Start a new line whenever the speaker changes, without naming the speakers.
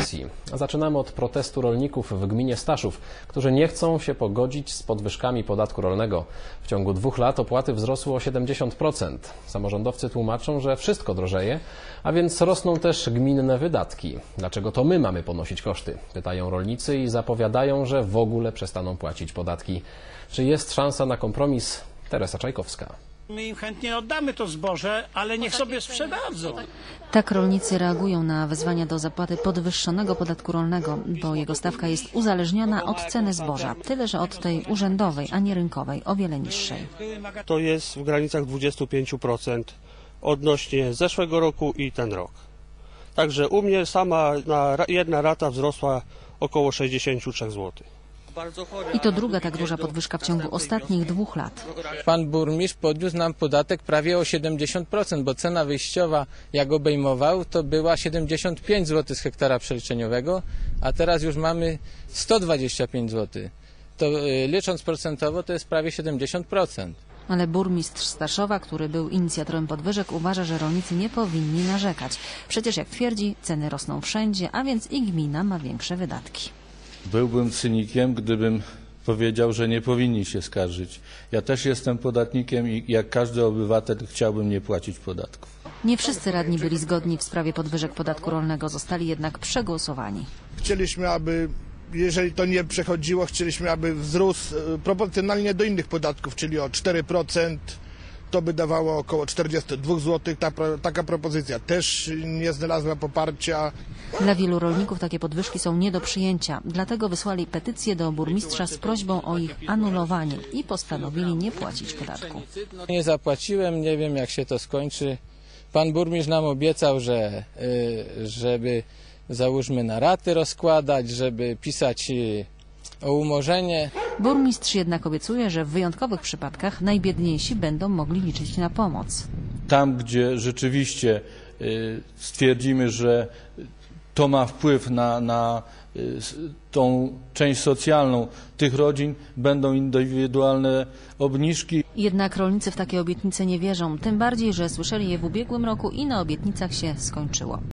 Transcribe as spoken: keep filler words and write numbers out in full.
informacji. Zaczynamy od protestu rolników w gminie Staszów, którzy nie chcą się pogodzić z podwyżkami podatku rolnego. W ciągu dwóch lat opłaty wzrosły o siedemdziesiąt procent. Samorządowcy tłumaczą, że wszystko drożeje, a więc rosną też gminne wydatki. Dlaczego to my mamy ponosić koszty? Pytają rolnicy i zapowiadają, że w ogóle przestaną płacić podatki. Czy jest szansa na kompromis? Teresa Czajkowska.
My im chętnie oddamy to zboże, ale niech sobie sprzedadzą.
Tak rolnicy reagują na wezwania do zapłaty podwyższonego podatku rolnego, bo jego stawka jest uzależniona od ceny zboża, tyle że od tej urzędowej, a nie rynkowej, o wiele niższej.
To jest w granicach dwudziestu pięciu procent odnośnie zeszłego roku i ten rok. Także u mnie sama na jedna rata wzrosła około sześćdziesiąt trzy złote.
I to druga tak duża podwyżka w ciągu ostatnich dwóch lat.
Pan burmistrz podniósł nam podatek prawie o siedemdziesiąt procent, bo cena wyjściowa, jak obejmował, to była siedemdziesiąt pięć złotych z hektara przeliczeniowego, a teraz już mamy sto dwadzieścia pięć złotych. To licząc procentowo to jest prawie siedemdziesiąt procent.
Ale burmistrz Staszowa, który był inicjatorem podwyżek, uważa, że rolnicy nie powinni narzekać. Przecież jak twierdzi, ceny rosną wszędzie, a więc i gmina ma większe wydatki.
Byłbym cynikiem, gdybym powiedział, że nie powinni się skarżyć. Ja też jestem podatnikiem i jak każdy obywatel chciałbym nie płacić podatków.
Nie wszyscy radni byli zgodni w sprawie podwyżek podatku rolnego, zostali jednak przegłosowani.
Chcieliśmy, aby, jeżeli to nie przechodziło, chcieliśmy, aby wzrósł proporcjonalnie do innych podatków, czyli o cztery procent. To by dawało około czterdzieści dwa złote. Ta, taka propozycja też nie znalazła poparcia.
Dla wielu rolników takie podwyżki są nie do przyjęcia. Dlatego wysłali petycję do burmistrza z prośbą o ich anulowanie i postanowili nie płacić podatku.
Nie zapłaciłem, nie wiem jak się to skończy. Pan burmistrz nam obiecał, że żeby załóżmy na raty rozkładać, żeby pisać o umorzenie.
Burmistrz jednak obiecuje, że w wyjątkowych przypadkach najbiedniejsi będą mogli liczyć na pomoc.
Tam, gdzie rzeczywiście stwierdzimy, że to ma wpływ na, na tą część socjalną tych rodzin, będą indywidualne obniżki.
Jednak rolnicy w takie obietnice nie wierzą, tym bardziej, że słyszeli je w ubiegłym roku i na obietnicach się skończyło.